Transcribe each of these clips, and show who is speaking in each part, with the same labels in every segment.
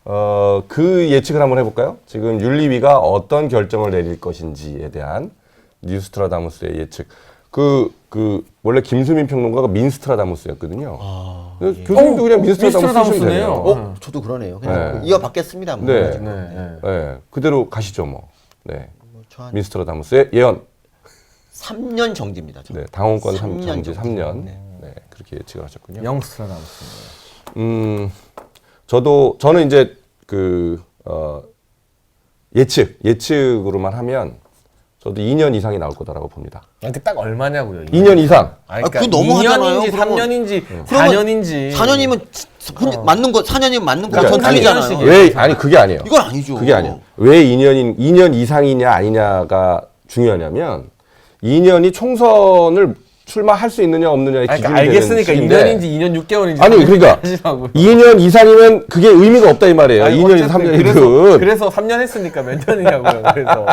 Speaker 1: 그 예측을 한번 해볼까요? 지금 윤리위가 어떤 결정을 내릴 것인지에 대한 뉴스트라다무스의 예측. 원래 김수민 평론가가 민스트라다무스였거든요. 교수님도 그냥 민스트라다무스 쓰시면 되네요.
Speaker 2: 저도 그러네요. 그냥 이어받겠습니다. 뭐.
Speaker 1: 네. 그대로 가시죠, 뭐. 네.
Speaker 2: 저
Speaker 1: 민스트라다무스의 예언.
Speaker 2: 3년 정지입니다. 저.
Speaker 1: 네, 당원권
Speaker 2: 3년
Speaker 1: 정지
Speaker 2: 정지.
Speaker 1: 3년. 네, 그렇게 예측을 하셨군요.
Speaker 3: 영스트라다무스.
Speaker 1: 저는 이제 예측으로만 하면 저도 2년 이상이 나올 거다라고 봅니다.
Speaker 3: 근데 딱 얼마냐고요?
Speaker 1: 2년 이상.
Speaker 2: 그거 너무 하잖아요.
Speaker 3: 2년인지
Speaker 2: 그러면.
Speaker 3: 3년인지 4년인지.
Speaker 2: 4년이면 맞는 거 4년이면 맞는 거
Speaker 1: 그러니까
Speaker 2: 전 틀리잖아요.
Speaker 1: 그게 아니에요.
Speaker 2: 이건 아니죠.
Speaker 1: 그게 아니에요. 왜 2년 이상이냐 아니냐가 중요하냐면 2년이 총선을 출마할 수 있느냐 없느냐의 기준이 되는
Speaker 3: 알겠으니까
Speaker 1: 시기인데
Speaker 3: 2년인지 2년 6개월인지
Speaker 1: 아니 그러니까
Speaker 3: 하시라고요.
Speaker 1: 2년 이상이면 그게 의미가 없다 이 말이에요. 2년이든 3년이든.
Speaker 3: 그래서 3년 했으니까 몇 년이냐고요. 그래서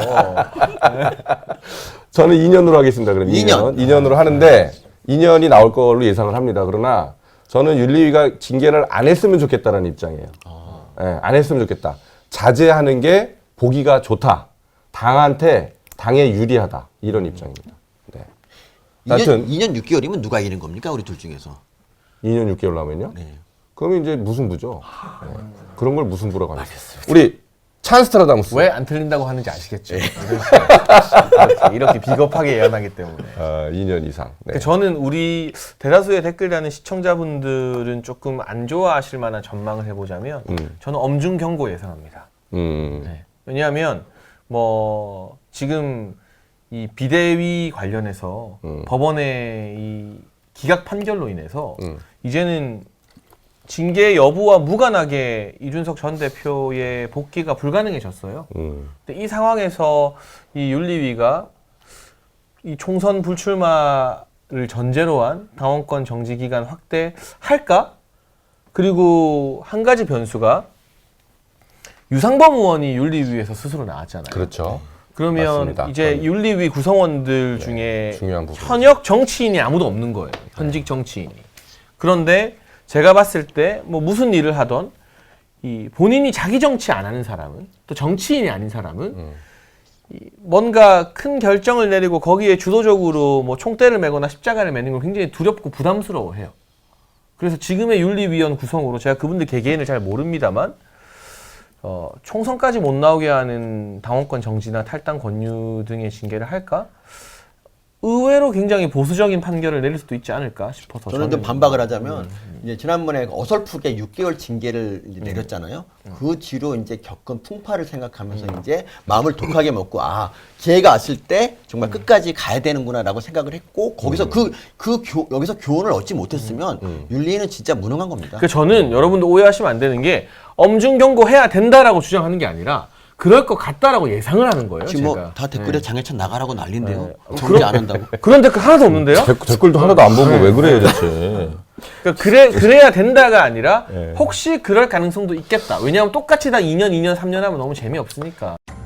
Speaker 1: 저는 2년으로 하겠습니다. 그럼 2년으로 하는데 2년이 나올 걸로 예상을 합니다. 그러나 저는 윤리위가 징계를 안 했으면 좋겠다는 입장이에요. 네, 안 했으면 좋겠다. 자제하는 게 보기가 좋다. 당에 유리하다. 이런 입장입니다. 네.
Speaker 2: 2년 6개월이면 누가 이기는 겁니까? 우리 둘 중에서.
Speaker 1: 2년 6개월 나면요?
Speaker 2: 네.
Speaker 1: 그러면 이제 무승부죠. 네. 그런 걸 무승부라고 합니다. 우리 찬스트라다무스.
Speaker 3: 왜 안 틀린다고 하는지 아시겠죠? 이렇게 비겁하게 예언하기 때문에.
Speaker 1: 2년 이상. 네.
Speaker 3: 저는 우리 대다수의 댓글 다는 시청자분들은 조금 안 좋아하실 만한 전망을 해보자면 저는 엄중 경고 예상합니다. 네. 왜냐하면 뭐 지금 이 비대위 관련해서 법원의 이 기각 판결로 인해서 이제는 징계 여부와 무관하게 이준석 전 대표의 복귀가 불가능해졌어요. 근데 이 상황에서 이 윤리위가 이 총선 불출마를 전제로 한 당원권 정지 기간 확대할까? 그리고 한 가지 변수가 유상범 의원이 윤리위에서 스스로 나왔잖아요.
Speaker 1: 그렇죠.
Speaker 3: 그러면
Speaker 1: 맞습니다.
Speaker 3: 이제 윤리위 구성원들 중에
Speaker 1: 중요한 부분.
Speaker 3: 현역 정치인이 아무도 없는 거예요. 현직 정치인이. 그런데 제가 봤을 때 뭐 무슨 일을 하던 이 본인이 자기 정치 안 하는 사람은 또 정치인이 아닌 사람은 이 뭔가 큰 결정을 내리고 거기에 주도적으로 뭐 총대를 메거나 십자가를 매는 걸 굉장히 두렵고 부담스러워해요. 그래서 지금의 윤리위원 구성으로 제가 그분들 개개인을 잘 모릅니다만 총선까지 못 나오게 하는 당원권 정지나 탈당 권유 등의 징계를 할까? 의외로 굉장히 보수적인 판결을 내릴 수도 있지 않을까 싶어서
Speaker 2: 저는 좀 반박을 하자면 이제 지난번에 어설프게 6개월 징계를 이제 내렸잖아요. 그 뒤로 이제 겪은 풍파를 생각하면서 이제 마음을 독하게 먹고 기회가 왔을 때 정말 끝까지 가야 되는구나라고 생각을 했고 거기서 여기서 교훈을 얻지 못했으면 윤리위는 진짜 무능한 겁니다.
Speaker 3: 그 저는 여러분들 오해하시면 안 되는 게 엄중 경고해야 된다라고 주장하는 게 아니라 그럴 것 같다라고 예상을 하는 거예요.
Speaker 2: 지금
Speaker 3: 제가.
Speaker 2: 뭐 다 댓글에 장해찬 나가라고 난린데요. 정리 안 한다고.
Speaker 3: 그런 댓글 하나도 없는데요?
Speaker 1: 댓글도 하나도 안 보고 왜 그래요, 대체.
Speaker 3: 그러니까 그래야 된다가 아니라 혹시 그럴 가능성도 있겠다. 왜냐하면 똑같이 다 2년, 3년 하면 너무 재미없으니까.